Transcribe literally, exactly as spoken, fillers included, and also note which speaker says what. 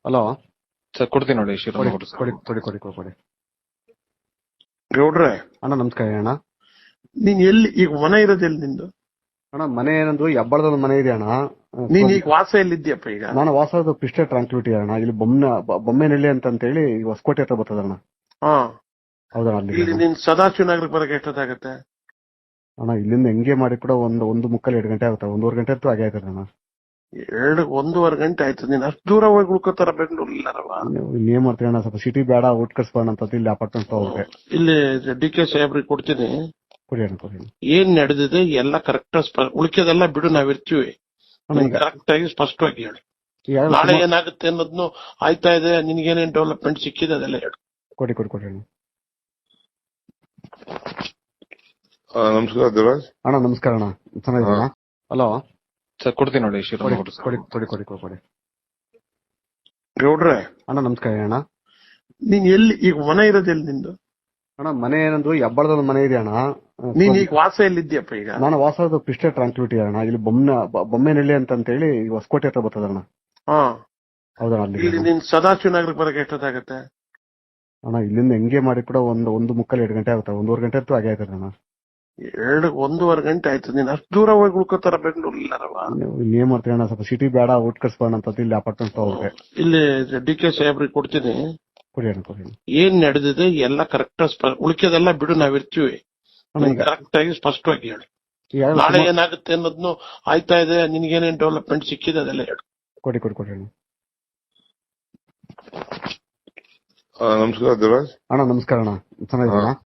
Speaker 1: Hello
Speaker 2: sir ಕೊಡ್ತೀನಿ ನೋಡಿ
Speaker 1: ಕೊಡಿ
Speaker 2: ಶಿವರಾಮ್ ಅವರು ಸರ್.
Speaker 1: ಕೊಡಿ ಕೊಡಿ ಕೊಡಿ ಕೊಡಿ ಕೊಡಿ
Speaker 3: ಗೌಡ್ರೆ,
Speaker 1: ಅಣ್ಣ ನಮಸ್ಕಾರ ಅಣ್ಣ.
Speaker 3: ನೀನ್ ಎಲ್ಲಿ ಈಗ ಮನೆ ಇರೋದು ಎಲ್ಲಿ ನಿಂದು?
Speaker 1: ಅಣ್ಣ ಮನೆ ಏನಂದ್ರು ಹೆಬ್ಬಳದ ಮನೆ ಇದೆ ಅಣ್ಣ.
Speaker 3: ನೀನ್ ಈಗ ವಾಸ ಎಲ್ಲಿದ್ಯಪ್ಪ ಈಗ?
Speaker 1: ನಾನು ವಾಸದ ಪಿಸ್ಟೆ ಟ್ರಾನ್ಸ್ಪಿಟಿ ಅಣ್ಣ. ಇಲ್ಲಿ ಬೊಮ್ಮೆ ಬೊಮ್ಮೆನಹಳ್ಳಿ ಅಂತ ಹೇಳಿ ಈಗ ಹೊಸಕೋಟೆ ಹತ್ರ ಬರ್ತದ ಅಣ್ಣ.
Speaker 3: ಹಾ,
Speaker 1: ಹೌದಣ್ಣ ಅಲ್ಲಿ
Speaker 3: ಇಲ್ಲಿ ನೀನ್ ಸದಾಶಿವ ನಗರಕ್ಕೆ ಬರಕ್ಕೆ ಎಷ್ಟೊತ್ತಾಗತ್ತೆ?
Speaker 1: ಅಣ್ಣ ಇಲ್ಲಿಂದ ಹೆಂಗೆ ಮಾಡಿ ಕೂಡ ಒಂದು ಒಂದು ಮುಕ್ಕಲ್ ಎರಡು ಗಂಟೆ ಆಗುತ್ತೆ. ಒಂದೂವರೆ ಗಂಟೆ ಅಂತೂ ಆಗೇ ಆಯ್ತದೆ ಅಣ್ಣ.
Speaker 3: ಎರಡು ಒಂದೂವರೆ ಗಂಟೆ ಆಯ್ತು. ನೀನ್ ಅಷ್ಟು ದೂರ ಹೋಗಿ ಉಳ್ಕೋತಾರ ಬೆಂಗಳೂರಿಲ್ಲಾರವ?
Speaker 1: ನೀವು ಇನ್ನೇನ್ ಮಾಡ್ತೀವಿ ಅಣ್ಣ, ಸ್ವಲ್ಪ ಸಿಟಿ ಬೇಡ, ಊಟ ಕಟ್ಸ್ಬೋಣ ಅಂತ ಇಲ್ಲಿ ಅಪಾರ್ಟ್ಮೆಂಟ್ ತಗೋಬೇಕು.
Speaker 3: ಇಲ್ಲಿ ಡಿ ಕೆ ಸಾಹೇಬ್ರಿಗೆ ಕೊಡ್ತೀನಿ.
Speaker 1: ಕೊಡಿ ಅಣ್ಣ ಕೊಡಿ ಅಣ್ಣ.
Speaker 3: ಏನ್ ನಡೆದಿದೆ ಎಲ್ಲ ಕರೆಕ್ಟ್, ಉಳಿಕೆದೆಲ್ಲ ಬಿಡು, ನಾವಿರ್ತೀವಿ.
Speaker 1: ಅಣ್ಣ ಈಗ
Speaker 3: ಕರೆಕ್ಟ್ ಆಗಿ ಸ್ಪಷ್ಟವಾಗಿ ಹೇಳಿ.
Speaker 1: ಈಗ
Speaker 3: ನಾಳೆ ಏನಾಗುತ್ತೆ ಅನ್ನೋದ್ನು ಆಯ್ತಾ ಇದೆ, ನಿನ್ಗೇನೇನ್ ಡೆವಲಪ್ಮೆಂಟ್ ಸಿಕ್ಕಿದೆ ಅದೆಲ್ಲ ಹೇಳು.
Speaker 1: ಕೊಡಿ ಕೊಡಿ ಕೊಡಿ ಅಣ್ಣ.
Speaker 4: ಆ, ನಮಸ್ಕಾರ ದೇವರಾಜ್.
Speaker 1: ಅಣ್ಣ ನಮಸ್ಕಾರ ಅಣ್ಣ, ಚೆನ್ನಾಗಿದ್ದೀರಾ? ಹಲೋ
Speaker 2: ಸರ್ ಕೊಡ್ತೀನಿ ನೋಡಿ
Speaker 1: ಕೊಡಿ
Speaker 2: ಶಿವರಾಮ್ ಅವರು ಸರ್.
Speaker 1: ಕೊಡಿ ಕೊಡಿ ಕೊಡಿ ಕೊಡಿ ಕೊಡಿ
Speaker 3: ಗೌಡ್ರೆ,
Speaker 1: ಅಣ್ಣ ನಮಸ್ಕಾರ ಅಣ್ಣ.
Speaker 3: ನೀನ್ ಎಲ್ಲಿ ಈಗ ಮನೆ ಇರೋದು ಎಲ್ಲಿ ನಿಂದು?
Speaker 1: ಅಣ್ಣ ಮನೆ ಏನಂದ್ರು ಹೆಬ್ಬಳದ ಮನೆ ಇದೆ ಅಣ್ಣ.
Speaker 3: ನೀನ್ ಈಗ ವಾಸ ಎಲ್ಲಿದ್ಯಪ್ಪ ಈಗ?
Speaker 1: ನಾನು ವಾಸದ ಪಿಸ್ಟೆ ಟ್ರಾನ್ಸ್ಪಿಟಿ ಅಣ್ಣ. ಇಲ್ಲಿ ಬೊಮ್ಮೆ ಬೊಮ್ಮೆನಹಳ್ಳಿ ಅಂತ ಹೇಳಿ ಈಗ ಹೊಸಕೋಟೆ ಹತ್ರ ಬರ್ತದ ಅಣ್ಣ.
Speaker 3: ಹಾ,
Speaker 1: ಹೌದಣ್ಣ ಅಲ್ಲಿ
Speaker 3: ಇಲ್ಲಿ ನೀನ್ ಸದಾಶಿವ ನಗರಕ್ಕೆ ಬರಕ್ಕೆ ಎಷ್ಟೊತ್ತಾಗತ್ತೆ?
Speaker 1: ಅಣ್ಣ ಇಲ್ಲಿಂದ ಹೆಂಗೆ ಮಾಡಿ ಕೂಡ ಒಂದು ಒಂದು ಮುಕ್ಕಲ್ ಎರಡು ಗಂಟೆ ಆಗುತ್ತೆ. ಒಂದೂವರೆ ಗಂಟೆ ಅಂತೂ ಆಗೇ ಆಯ್ತದೆ ಅಣ್ಣ.
Speaker 3: ಎರಡು ಒಂದೂವರೆ ಗಂಟೆ ಆಯ್ತು. ನೀನ್ ಅಷ್ಟು ದೂರ ಹೋಗಿ ಉಳ್ಕೋತಾರ ಬೆಂಗಳೂರಿಲ್ಲಾರವ?
Speaker 1: ನೀವು ಇನ್ನೇನ್ ಮಾಡ್ತೀವಿ ಅಣ್ಣ, ಸ್ವಲ್ಪ ಸಿಟಿ ಬೇಡ, ಊಟ ಕಟ್ಸ್ಬೋಣ ಅಂತ ಇಲ್ಲಿ ಅಪಾರ್ಟ್ಮೆಂಟ್ ತಗೋಬೇಕು.
Speaker 3: ಇಲ್ಲಿ ಡಿ ಕೆ ಸಾಹೇಬ್ರಿಗೆ ಕೊಡ್ತೀನಿ.
Speaker 1: ಕೊಡಿ ಅಣ್ಣ ಕೊಡಿ ಅಣ್ಣ.
Speaker 3: ಏನ್ ನಡೆದಿದೆ ಎಲ್ಲ ಕರೆಕ್ಟ್, ಉಳಿಕೆದೆಲ್ಲ ಬಿಡು, ನಾವಿರ್ತೀವಿ.
Speaker 1: ಅಣ್ಣ ಈಗ
Speaker 3: ಕರೆಕ್ಟ್ ಆಗಿ ಸ್ಪಷ್ಟವಾಗಿ ಹೇಳಿ.
Speaker 1: ಈಗ
Speaker 3: ನಾಳೆ ಏನಾಗುತ್ತೆ ಅನ್ನೋದ್ನು ಆಯ್ತಾ ಇದೆ, ನಿನ್ಗೇನೇನ್ ಡೆವಲಪ್ಮೆಂಟ್ ಸಿಕ್ಕಿದೆ ಅದೆಲ್ಲ ಹೇಳು.
Speaker 1: ಕೊಡಿ ಕೊಡಿ ಕೊಡಿ ಅಣ್ಣ.
Speaker 4: ಆ, ನಮಸ್ಕಾರ ದೇವರಾಜ್.
Speaker 1: ಅಣ್ಣ ನಮಸ್ಕಾರ ಅಣ್ಣ, ಚೆನ್ನಾಗಿದ್ದೀರಾ?